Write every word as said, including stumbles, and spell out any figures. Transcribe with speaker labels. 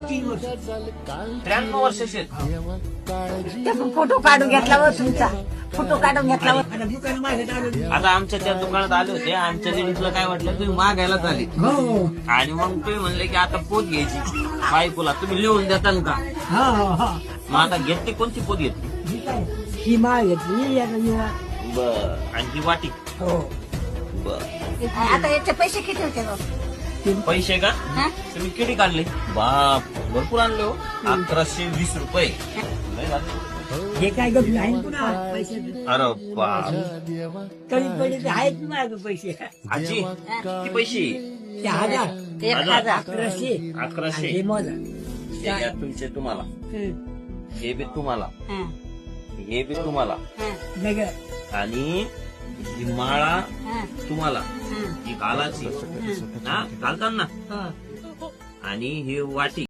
Speaker 1: तीन वर्ष
Speaker 2: त्र्याण्णव वर्षाचे
Speaker 3: फोटो काढून घेतला व तुमचा फोटो काढून घेतला व
Speaker 1: आता दुकान माझ्यात आलं.
Speaker 2: आता आमच्या त्या दुकानात आले होते. आमच्या लेडीजला काय वाटलं तुम्ही मागायला झाले
Speaker 1: हो
Speaker 2: आणि मग तुम्ही म्हणले की आता पोत घ्यायची बायकोला तुम्ही लिहून देताल का?
Speaker 1: हा हा
Speaker 2: मग आता घेतली कोणती पोत घेतली?
Speaker 1: ही काय? ही माळ घेतली याला निळा.
Speaker 2: बर आणि ही वाटी
Speaker 1: हो
Speaker 2: बर
Speaker 3: आता याचे पैसे किती होते बघ?
Speaker 2: पैसे का
Speaker 3: हा?
Speaker 2: तुम्ही किती काढले? बाप भरपूर आणले हो. अकराशे वीस रुपये लय झाले.
Speaker 1: हे काय गप्प आहे पुन्हा पैसे
Speaker 2: अरे बाप
Speaker 1: कमी पडले ते आहेत ना माझं पैसे
Speaker 2: आजी किती पैसे?
Speaker 1: ते हजार
Speaker 3: एक हजार
Speaker 1: अकराशे
Speaker 2: अकराशे.
Speaker 1: आणि हे मोजा
Speaker 2: हे घ्या तुमचे तुम्हाला,
Speaker 1: हं.
Speaker 2: हे बी तुम्हाला,
Speaker 3: हा,
Speaker 2: हे बी तुम्हाला
Speaker 3: हा,
Speaker 1: वेगळं
Speaker 2: आणि ही माळा
Speaker 3: हा,
Speaker 2: तुम्हाला,
Speaker 3: हा.
Speaker 2: ही घालाची हा घालताना
Speaker 1: हा
Speaker 2: आणि ही वाटी